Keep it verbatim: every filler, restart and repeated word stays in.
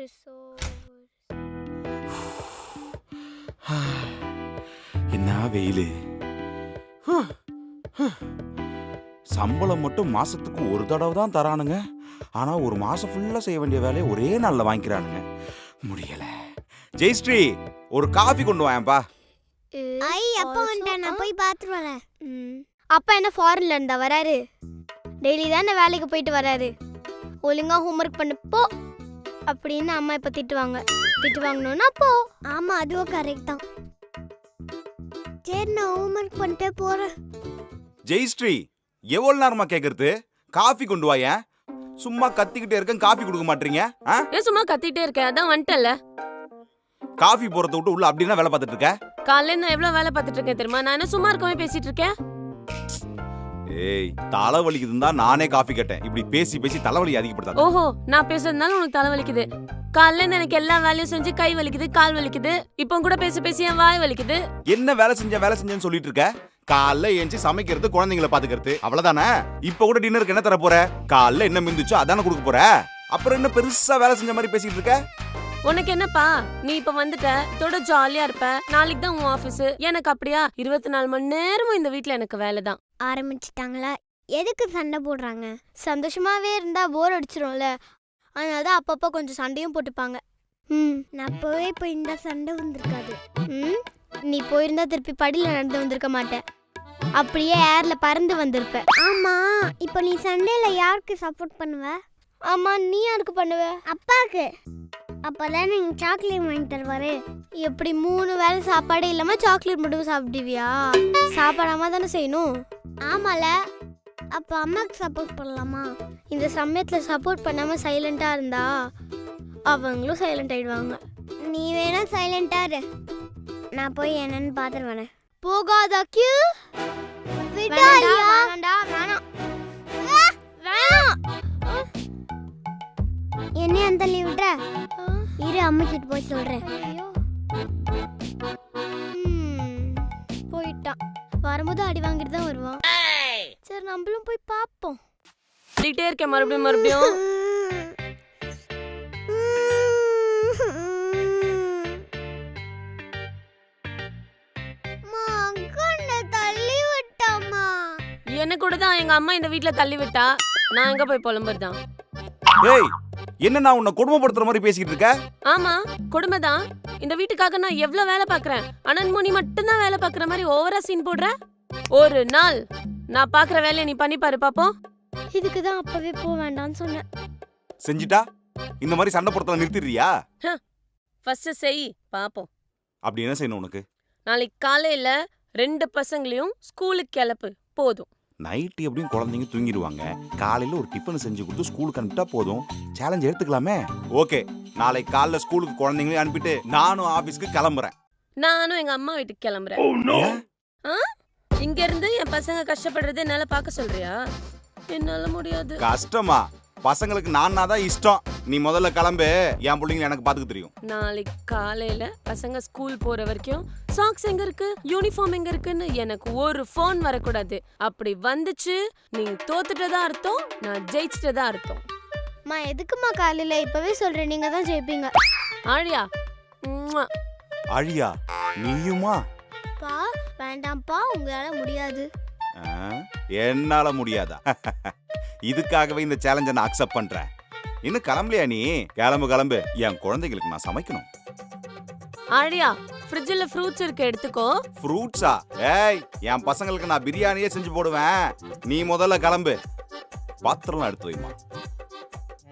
வருஷோ என்ன வெயிலு. சம்பளம் மட்டும் மாசத்துக்கு ஒரு தடவை தான் தரானுங்க. ஆனா ஒரு மாசம் ஃபுல்லா செய்ய வேண்டிய வேலையை ஒரே நாள்ல வாங்கிக்கிறானுங்க. முடியல. ஜெயஸ்ரீ, ஒரு காஃபி கொண்டு வாயேன்பா. ஐ அப்பா வந்துட்டேன், நான் போய் பார்த்துட்டு வரேன். அப்பா என்ன ஃபாரின்ல இருந்தா வராரு? டெய்லி தானே வேலைக்கு போயிட்டு வராரு. ஒழுங்கா ஹோம்ஒர்க் பண்ணு போ அப்படின்னு அம்மா இப்ப திட்டுவாங்க. திட்டு வாங்கணும்னா போ. ஆமா, அதுவும் கரெக்ட் தான். சரி, நான் ஹோம்ஒர்க் பண்ணிட்டே போறேன். ஜெயஸ்ரீ, எவ்வளவு நேரமா கேக்குறது? காஃபி கொண்டு வாயேன். சும்மா கத்திக்கிட்டே இருக்கேன், காஃபி கொடுக்க மாட்டீங்க. ஏன் சும்மா கத்திட்டே இருக்கேன்? அதான் வந்துட்டல. காஃபி போறத விட்டு உள்ள அப்படின்னா வேலை பார்த்துட்டு இருக்க? காலையில நான் எவ்வளவு வேலை பார்த்துட்டு இருக்கேன் தெரியுமா? நான் என்ன சும்மா இருக்கவே பேசிட்டு இருக்கேன்? ஏய், தலை வலிக்குதுன்னு தான் நானே காஃபி கேட்டேன். இப்படி பேசி பேசி தலைவலி அதிகப்படுத்தாத. ஓஹோ, நான் பேசுறதுனால உனக்கு தலை வலிக்குது. காலையில எனக்கு எல்லா வேலையும் செஞ்சு கை வலிக்குது, கால் வலிக்குது. இப்போ கூட பேசி பேசி என் வாய் வலிக்குது. என்ன வேலை செஞ்ச வேலை செஞ்சேன்னு சொல்லிட்டு இருக்க? காலைல ஏஞ்சி சமைக்கிறது, குழந்தைங்களை பாத்துக்கிறது, அவ்வளவுதானே? இப்ப கூட டின்னருக்கு என்ன தர போற? காலைல என்ன மிந்துச்சோ அதானே கொடுக்க போற. அப்புறம் என்ன பெருசா வேலை செஞ்ச மாதிரி பேசிட்டு இருக்க? உனக்கு என்னப்பா, நீ இப்ப வந்துட்ட, இதோட ஜாலியா இருப்ப. நாளைக்கு தான் உன் ஆபீஸ். எனக்கு அப்படியா? இருபத்தி நாலு மணி நேரமும் இந்த வீட்டுல எனக்கு வேலை தான். ஆரம்பிச்சிட்டாங்களா? எதுக்கு சண்டை போடுறாங்க? சந்தோஷமாவே இருந்தா போர் அடிச்சிரும்ல, அதனாலதான் அப்பப்போ கொஞ்சம் சண்டையும் போட்டுப்பாங்க. ம் நான் போய் இப்போ இந்த சண்டை வந்திருக்காது. ம் நீ போயிருந்தா திருப்பி படியில நடந்து வந்திருக்க மாட்டேன், அப்படியே ஏர்ல பறந்து வந்திருப்ப. ஆமா, இப்போ நீ சண்டேல யாருக்கு சப்போர்ட் பண்ணுவ? ஆமா, நீ யாருக்கு பண்ணுவ? அப்பாக்கு. அப்பதான் நீங்க சாக்லேட் வாங்கி தருவாரு. எப்படி மூணு வேளை சாப்பாடே இல்லாம சாக்லேட் மட்டும் சாப்பிடுவியா? சாப்பாடாம தானே செய்யணும். ஆமால, அப்ப அம்மாக்கு சப்போர்ட் பண்ணலாமா? இந்த சமயத்துல சப்போர்ட் பண்ணாம சைலண்டா இருந்தா அவங்களும் சைலண்ட் ஆயிடுவாங்க. நீ வேணா சைலண்டா இரு, நான் போய் என்னன்னு பாத்துட்டு வரேன். போகாதா கியூ? விடாலியா? வேண்டாம் வேணாம் வேணாம். என்ன அந்த லீவ் விட்ற? இரு, அம்மா கிட்ட போய் சொல்றேன். போயிட்டான். வரும்போது அடி வாங்கிட்டு தான் வருவான். சரி, நம்மளும் போய் பாப்போம். சொல்லிட்டே இருக்கேன் மறுபடியும் மறுபடியும். தள்ளி விட்டாமா? என்ன கூட தான் எங்க அம்மா இந்த வீட்டுல தள்ளி விட்டா. நான் எங்க போய் புலம்புறதான்? ஏய், என்ன நான் உன்னை கொடுமைப்படுத்துற மாதிரி பேசிக்கிட்டு இருக்க? ஆமா, கொடுமை தான். இந்த வீட்டுக்காக நான் எவ்வளவு வேலை பாக்குறேன். அனன்முனி மட்டும் தான் வேலை பாக்குற மாதிரி ஓவரா சீன் போடுற. ஒரு நாள் நான் பாக்குற வேலையை நீ பண்ணி பாரு பாப்போம். இதுக்கு தான் அப்பவே போக வேண்டாம்னு சொன்னேன். செஞ்சிட்டா இந்த மாதிரி சண்டை போடுறத நிறுத்திடுறியா? ஃபர்ஸ்ட் செய் பாப்போம். அப்படி என்ன செய்யணும் உனக்கு? நாளைக்கு காலையில ரெண்டு பசங்களையும் ஸ்கூலுக்கு கிளப்பு போதும். நைட்டு எப்படியும் குழந்தைங்க தூங்கிடுவாங்க. காலையில ஒரு டிஃபன் செஞ்சு கொடுத்து ஸ்கூலுக்கு அனுப்பிட்டா போதும். சேலஞ்ச் எடுத்துக்கலாமே? ஓகே, நாளைக்கு காலைல ஸ்கூலுக்கு குழந்தைங்களையும் அனுப்பிட்டு நானும் ஆபீஸ்க்கு கிளம்புறேன். நானும் எங்க அம்மா வீட்டுக்கு கிளம்புறேன். இங்க இருந்து என் பசங்க கஷ்டப்படுறது என்னால பாக்க சொல்றியா? என்னால முடியாது. கஷ்டமா? பசங்களுக்கு நானா தான் இஷ்டம். நீ முதல்ல கிளம்பு, என் பிள்ளைங்க எனக்கு பாத்துக்க தெரியும். நாளைக்கு காலையில பசங்க ஸ்கூல் போற வரைக்கும் சாக்ஸ் எங்க இருக்கு, யூனிஃபார்ம் எங்க இருக்குன்னு எனக்கு ஒரு போன் வரக்கூடாது. அப்படி வந்துச்சு நீ தோத்துட்டதா அர்த்தம், நான் ஜெயிச்சிட்டதா அர்த்தம். மா, எதுக்குமா காலையில? இப்பவே சொல்றேன், நீங்க தான் ஜெயிப்பீங்க. ஆழியா? ஆழியா? நீயுமா? பா வேண்டாம்ப்பா, உங்களால முடியாது. என்னால முடியாதா? இதுக்காகவே இந்த சேலஞ்சை நான் அக்செப்ட் பண்றேன். இன்னும் கிளம்பலையா நீ? கிளம்பு கிளம்பு, என் குழந்தைகளுக்கு நான் சமைக்கணும். ஆழியா, ஃப்ரிட்ஜ்ல ஃப்ரூட்ஸ் இருக்கு, எடுத்துக்கோ. ஃப்ரூட்ஸா? ஏய், என் பசங்களுக்கு நான் பிரியாணியே செஞ்சு போடுவேன். நீ முதல்ல கிளம்பு, பாத்திரம்லாம் எடுத்து வைமா.